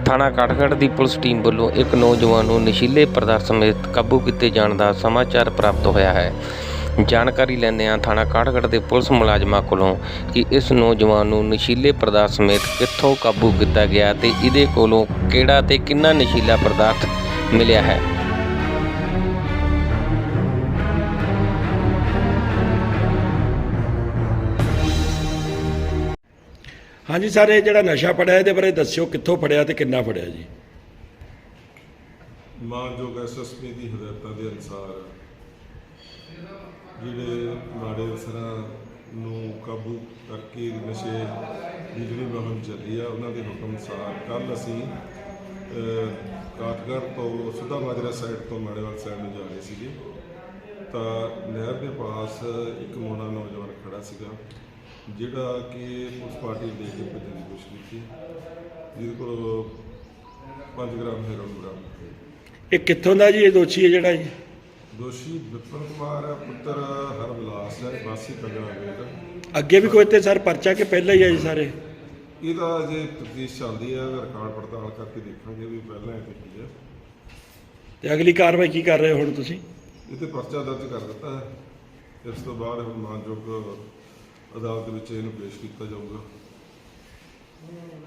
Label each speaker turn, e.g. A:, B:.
A: ਥਾਣਾ ਕਾਠਗੜ੍ਹ ਦੀ police team ਵੱਲੋਂ ਇੱਕ ਨੌਜਵਾਨ ਨੂੰ ਨਸ਼ੀਲੇ ਪਦਾਰਥ ਸਮੇਤ ਕਾਬੂ ਕੀਤੇ ਜਾਣ ਦਾ ਸਮਾਚਾਰ ਪ੍ਰਾਪਤ ਹੋਇਆ ਹੈ। ਜਾਣਕਾਰੀ ਲੈਂਦਿਆਂ ਥਾਣਾ ਕਾਠਗੜ੍ਹ ਦੇ ਪੁਲਿਸ ਮੁਲਾਜ਼ਮਾਂ ਕੋਲੋਂ ਕਿ ਇਸ ਨੌਜਵਾਨ ਨੂੰ ਨਸ਼ੀਲੇ ਪਦਾਰਥ ਸਮੇਤ ਕਿੱਥੋਂ ਕਾਬੂ ਕੀਤਾ ਗਿਆ ਤੇ ਇਹਦੇ ਕੋਲੋਂ ਕਿਹੜਾ ਤੇ ਕਿੰਨਾ ਨਸ਼ੀਲਾ ਪਦਾਰਥ ਮਿਲਿਆ ਹੈ।
B: हाँ जी सर, ये जो नशा फड़िया ये बारे दस्यो कितों फड़िया तो कितना फड़िया जी।
C: मानयोग SSP की हिदायतों के अनुसार जिहड़े माड़े असरां काबू करके नशे की जिहड़ी मुहिम चली है उन्होंने हुक्म अनुसार कल असीं काठगढ़ तो सुधा माजरा साइड तो माड़ेवाल साइड में जा रहे थे तो नहर के पास एक मोना नौजवान खड़ा सीगा जिहड़ा कि पुलिस पार्टी लेके भजन की कोशिश की जिहदे कोल 5 ग्राम हेरोइन बरामद होई।
B: ये कितों का जी ये दोषी है जिहड़ा जी?
C: दोषी विपिन कुमार पुत्र हरविलास है वासी कंगना वेद।
B: अगे भी कोई ते सर परचा के पहले ही है जी सारे?
C: ਇਹਦਾ ਅਜੇ ਤਫਤੀਸ਼ ਚੱਲਦੀ ਹੈ, ਰਿਕਾਰਡ ਪੜਤਾਲ ਕਰਕੇ ਦੇਖਾਂਗੇ ਵੀ ਪਹਿਲਾਂ ਇਹ ਕੀ ਹੈ
B: ਤੇ ਅਗਲੀ ਕਾਰਵਾਈ ਕੀ ਕਰ ਰਹੇ ਹੋ ਹੁਣ ਤੁਸੀਂ?
C: ਇਹ ਤੇ ਪਰਚਾ ਦਰਜ ਕਰ ਦਿੱਤਾ ਹੈ। ਇਸ ਤੋਂ ਬਾਅਦ ਹੁਣ ਮਾਨਯੋਗ ਅਦਾਲਤ ਵਿੱਚ ਇਹਨੂੰ ਪੇਸ਼ ਕੀਤਾ ਜਾਊਗਾ।